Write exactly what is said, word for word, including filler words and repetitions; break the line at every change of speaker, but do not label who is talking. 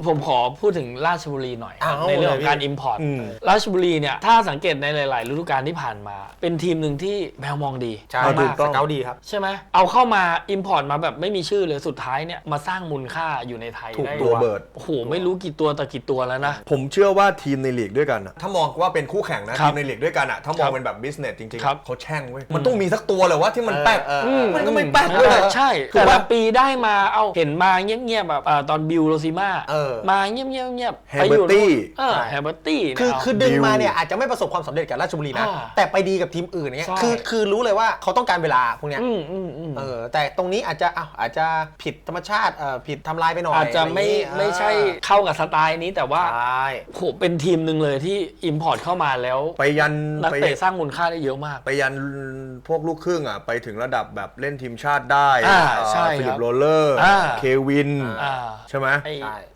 ผมขอพูดถึงราชบุรีหน่อยในเรื่องของการ import ราชบุรีเนี่ยถ้าสังเกตในหลายๆฤดูกาลที่ผ่านมาเป็นทีมหนึ่งที่แมวมองดี
ใช่มากสเกาต์ดีครับ
ใช่ไหมเอาเข้ามา import มาแบบไม่มีชื่อเลยสุดท้ายเนี่ยมาสร้างมูลค่าอยู่ในไทยได้
ตัวเบิร์ด
โอ้โหไม่รู้กี่ตัวแต่กี่ตัวแล้วนะ
ผมเชื่อว่าทีมในลีกด้วยกัน
ถ้ามองว่าเป็นคู่แข่งนะทีมในลีกด้วยกันอ่ะถ้ามองเป็นแบบ business จริงๆเขาแช่งเว้ยมันต้องมีสักตัวเลยว่าที่มันแป๊กมันก็ไม่แป๊กเลย
ใช่แต่ละปีได้มาเอาเห็นมาเงียบๆแบบตอนบิลโรซิม่ามาเงียบๆเงียบ
แฮเบอร์ตี้
แฮเบอร์ตี้
คือคือดึงมาเนี่ยอาจจะไม่ประสบความสำเร็จกับราชบุรีนะแต่ไปดีกับทีมอื่นเนี่ยคือคือรู้เลยว่าเขาต้องการเวลาพวกเนี้ยเออแต่ตรงนี้อาจจะอาจจะผิดธรรมชาติผิดทำลายไปหน่อย
อาจจะไม่ไม่ใช่เข้ากับสไตล์นี้แต่ว่าโหเป็นทีมหนึ่งเลยที่ import เข้ามาแล้ว
ไปยัน
นักเตะสร้างมูลค่าได้เยอะมาก
ไปยันพวกลูกครึ่งอ่ะไปถึงระดับแบบเล่นทีมชาติได้
ใช่
ฟิลิปโรเลอร์เควินใช่ไหม